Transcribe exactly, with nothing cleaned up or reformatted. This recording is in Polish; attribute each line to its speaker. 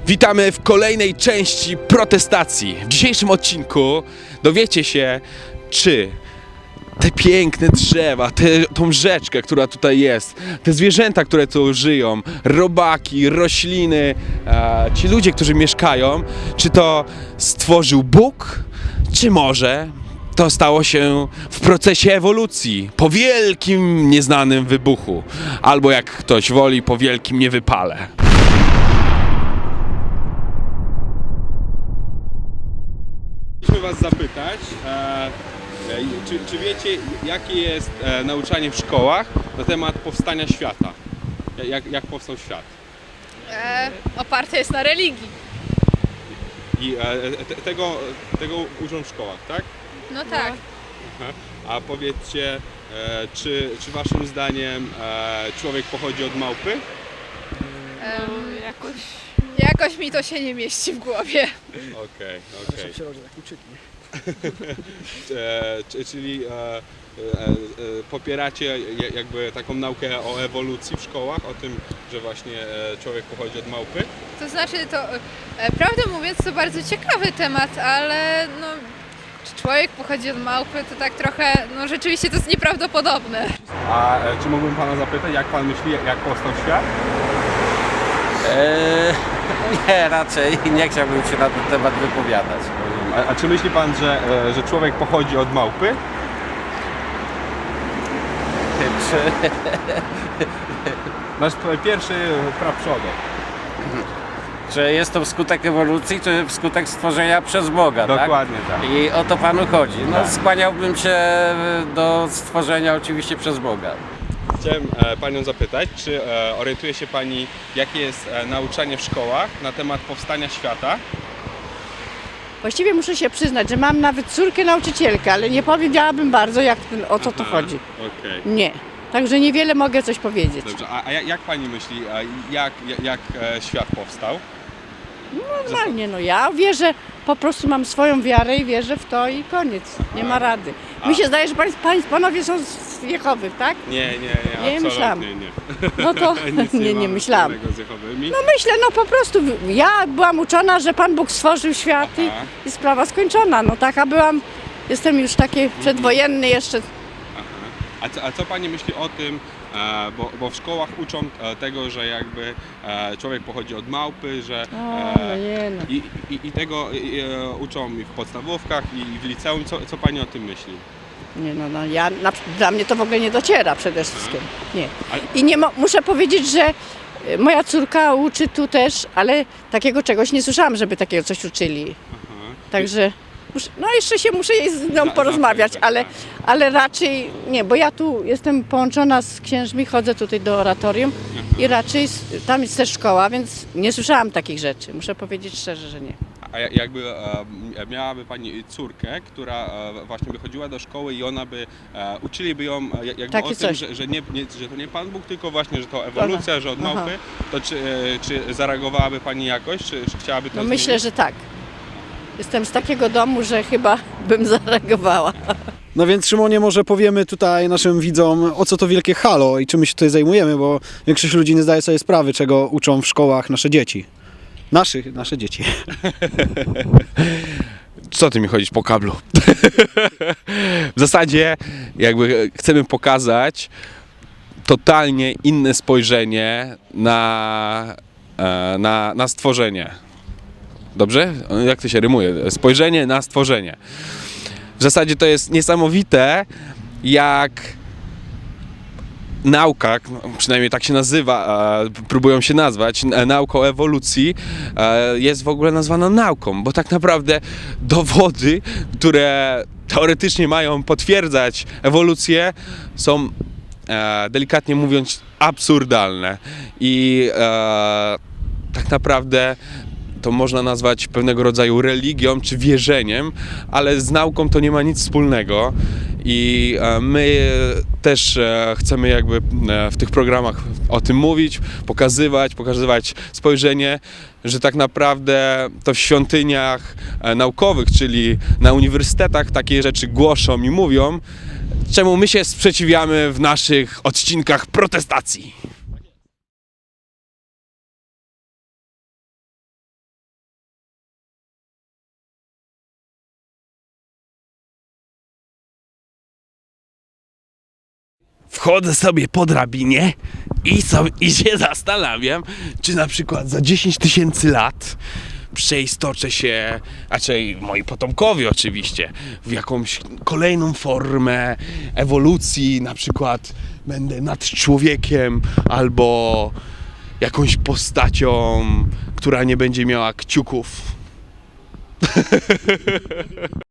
Speaker 1: Witamy w kolejnej części protestacji. W dzisiejszym odcinku dowiecie się, czy te piękne drzewa, te, tą rzeczkę, która tutaj jest, te zwierzęta, które tu żyją, robaki, rośliny, e, ci ludzie, którzy mieszkają, czy to stworzył Bóg, czy może to stało się w procesie ewolucji, po wielkim, nieznanym wybuchu, albo jak ktoś woli, po wielkim niewypale. Chcieliśmy Was zapytać, e, czy, czy wiecie, jakie jest e, nauczanie w szkołach na temat powstania świata? Jak, jak powstał świat?
Speaker 2: E, oparte jest na religii.
Speaker 1: I e, te, tego, tego uczą w szkołach, tak?
Speaker 2: No tak.
Speaker 1: Aha. A powiedzcie, e, czy, czy Waszym zdaniem e, człowiek pochodzi od małpy?
Speaker 2: Em, jakoś... jakoś mi to się nie mieści w głowie.
Speaker 1: Okej, okej.
Speaker 3: się rodzi taki czytnik.
Speaker 1: E, czy- Czyli e, e, e, popieracie je- jakby taką naukę o ewolucji w szkołach, o tym, że właśnie e, człowiek pochodzi od małpy?
Speaker 2: To znaczy to, e, prawdę mówiąc, to bardzo ciekawy temat, ale no, czy człowiek pochodzi od małpy, to tak trochę, no rzeczywiście to jest nieprawdopodobne.
Speaker 1: A e, czy mógłbym Pana zapytać, jak Pan myśli, jak powstał świat?
Speaker 4: Eee, nie, raczej nie chciałbym się na ten temat wypowiadać.
Speaker 1: A, a czy myśli Pan, że, e, że człowiek pochodzi od małpy?
Speaker 4: Czy,
Speaker 1: Nasz p- pierwszy praprzodek.
Speaker 4: czy jest to wskutek ewolucji, czy wskutek stworzenia przez Boga,
Speaker 1: Dokładnie tak.
Speaker 4: tak? I o to Panu chodzi. No,
Speaker 1: Tak.
Speaker 4: skłaniałbym się do stworzenia oczywiście przez Boga.
Speaker 1: Chciałem e, Panią zapytać, czy e, orientuje się Pani, jakie jest e, nauczanie w szkołach na temat powstania świata?
Speaker 5: Właściwie muszę się przyznać, że mam nawet córkę nauczycielkę, ale nie powiedziałabym bardzo, jak, o co tu
Speaker 1: Aha,
Speaker 5: chodzi.
Speaker 1: Okej.
Speaker 5: Nie. Także niewiele mogę coś powiedzieć.
Speaker 1: Dobrze, a, a jak, jak Pani myśli, a jak, jak, jak e, świat powstał?
Speaker 5: Normalnie, no ja wierzę, po prostu mam swoją wiarę i wierzę w to i koniec. Nie ma rady. Mi się zdaje, że pań, pań, panowie są z Jehowy, tak?
Speaker 1: Nie, nie, nie,
Speaker 5: Nie
Speaker 1: absolutnie
Speaker 5: myślałam.
Speaker 1: nie.
Speaker 5: No to
Speaker 1: Nic
Speaker 5: nie, nie
Speaker 1: mamy
Speaker 5: myślałam.
Speaker 1: wspólnego z Jehowymi.
Speaker 5: No myślę, no po prostu ja byłam uczona, że Pan Bóg stworzył świat i,
Speaker 1: Aha.
Speaker 5: i sprawa skończona. No taka byłam, jestem już taki przedwojenny jeszcze.
Speaker 1: Aha. A, co, a co Pani myśli o tym, e, bo, bo w szkołach uczą e, tego, że jakby e, człowiek pochodzi od małpy, że
Speaker 5: O, no nie no.
Speaker 1: i, i, i tego e, uczą i w podstawówkach i w liceum. Co, co Pani o tym myśli?
Speaker 5: Nie, no, no ja, na, dla mnie to w ogóle nie dociera przede wszystkim. Nie.
Speaker 1: Ale-
Speaker 5: I nie mo, muszę powiedzieć, że y, moja córka uczy tu też, ale takiego czegoś nie słyszałam, żeby takiego coś uczyli.
Speaker 1: Aha.
Speaker 5: Także muszę, no jeszcze się muszę jej z nią
Speaker 1: Za-
Speaker 5: porozmawiać,
Speaker 1: zapytać,
Speaker 5: ale,
Speaker 1: tak.
Speaker 5: ale raczej nie, bo ja tu jestem połączona z księżmi, chodzę tutaj do oratorium i raczej s- tam jest też szkoła, więc nie słyszałam takich rzeczy. Muszę powiedzieć szczerze, że nie.
Speaker 1: A ja- jakby e, miałaby Pani córkę, która e, właśnie by chodziła do szkoły i ona by, e, uczyliby ją e, jakby
Speaker 5: Takie
Speaker 1: o tym,
Speaker 5: coś.
Speaker 1: że, że, nie, nie, że to nie Pan Bóg, tylko właśnie, że to ewolucja, że od
Speaker 5: Aha.
Speaker 1: małpy, to czy, e, czy zareagowałaby Pani jakoś, czy, czy chciałaby to
Speaker 5: No
Speaker 1: zmienić?
Speaker 5: myślę, że tak. Jestem z takiego domu, że chyba bym zareagowała.
Speaker 3: No więc Szymonie, może powiemy tutaj naszym widzom, o co to wielkie halo i czym my się tutaj zajmujemy, bo większość ludzi nie zdaje sobie sprawy, czego uczą w szkołach nasze dzieci. Naszych, nasze dzieci.
Speaker 1: Co ty mi chodzisz po kablu? W zasadzie jakby chcemy pokazać totalnie inne spojrzenie na, e, na, na stworzenie. Dobrze? Jak to się rymuje? Spojrzenie na stworzenie. W zasadzie to jest niesamowite, jak nauka, no, przynajmniej tak się nazywa, e, próbują się nazwać, e, nauka o ewolucji, e, jest w ogóle nazwana nauką, bo tak naprawdę dowody, które teoretycznie mają potwierdzać ewolucję, są e, delikatnie mówiąc absurdalne i e, tak naprawdę to można nazwać pewnego rodzaju religią czy wierzeniem, ale z nauką to nie ma nic wspólnego i e, my też e, chcemy jakby e, w tych programach o tym mówić, pokazywać, pokazywać spojrzenie, że tak naprawdę to w świątyniach e, naukowych, czyli na uniwersytetach takie rzeczy głoszą i mówią, czemu my się sprzeciwiamy w naszych odcinkach protestacji. wchodzę sobie po drabinie i, sobie, i się zastanawiam, czy na przykład za dziesięć tysięcy lat przeistoczę się, raczej moi potomkowie oczywiście, w jakąś kolejną formę ewolucji, na przykład będę nad człowiekiem albo jakąś postacią, która nie będzie miała kciuków.